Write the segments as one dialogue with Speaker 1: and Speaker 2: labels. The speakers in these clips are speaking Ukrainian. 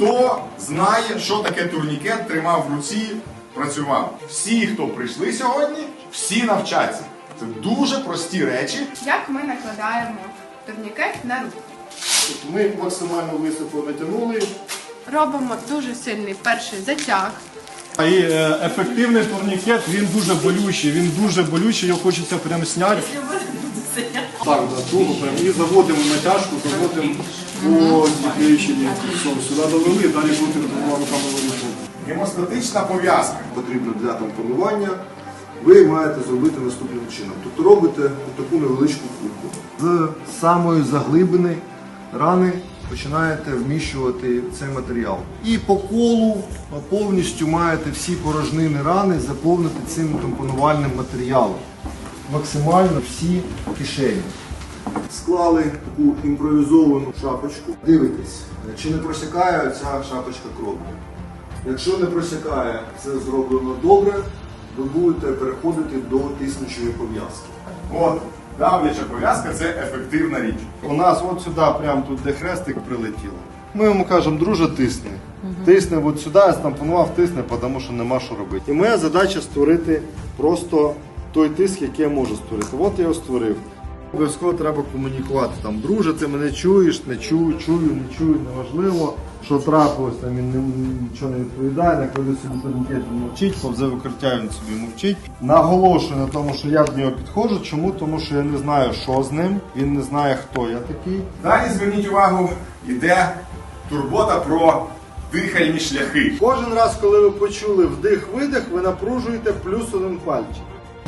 Speaker 1: Хто знає, що таке турнікет, тримав в руці, працював. Всі, хто прийшли сьогодні, всі навчаться. Це дуже прості речі.
Speaker 2: Як ми накладаємо турнікет на руку?
Speaker 3: Ми максимально високо натягнули.
Speaker 2: Робимо дуже сильний перший затяг.
Speaker 3: І ефективний турнікет, він дуже болючий, його хочеться прямо зняти. Так, туго прямо. І заводимо натяжку, заводимо по підвищенні. Сюди довели, далі будемо двома руками вирішувати.
Speaker 1: Гемостатична пов'язка.
Speaker 4: Потрібно для тампонування, ви маєте зробити наступним чином. Тобто робите таку невеличку кульку. З самої заглибини рани починаєте вміщувати цей матеріал. І по колу повністю маєте всі порожнини рани заповнити цим тампонувальним матеріалом. Максимально всі кишені. Склали таку імпровізовану шапочку. Дивитесь, чи не просякає ця шапочка кров'ю. Якщо не просякає, це зроблено добре, ви будете переходити до тиснучої пов'язки.
Speaker 1: От, давляча пов'язка – це ефективна річ.
Speaker 3: У нас от сюди, прямо тут, де хрестик прилетіло. Ми йому кажемо, друже, тисни. Тисни от сюди, я стампонував, тисни, тому що нема що робити. І моя задача створити просто той тиск, який я можу створити. От я його створив. Обов'язково треба комунікувати. Там, друже, ти мене чуєш, не чую, не чую, неважливо. Що трапилось, там він нічого не відповідає, накладе собі турнікет, він мовчить, повзе викриття, він собі мовчить. Наголошую на тому, що я до нього підходжу. Чому? Тому що я не знаю, що з ним, він не знає, хто я такий.
Speaker 1: Далі, зверніть увагу, йде турбота про дихальні шляхи.
Speaker 3: Кожен раз, коли ви почули вдих-видих, ви напружуєте плюс один пальчик.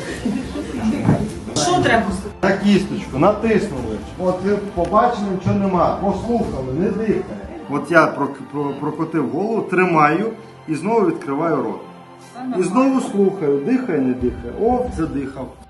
Speaker 5: Що треба?
Speaker 3: На кісточку, натиснули. От ви побачили, нічого нема. Послухали, не дихає. От я прокотив голову, тримаю і знову відкриваю рот. І знову слухаю, дихає, не дихає. О, задихав.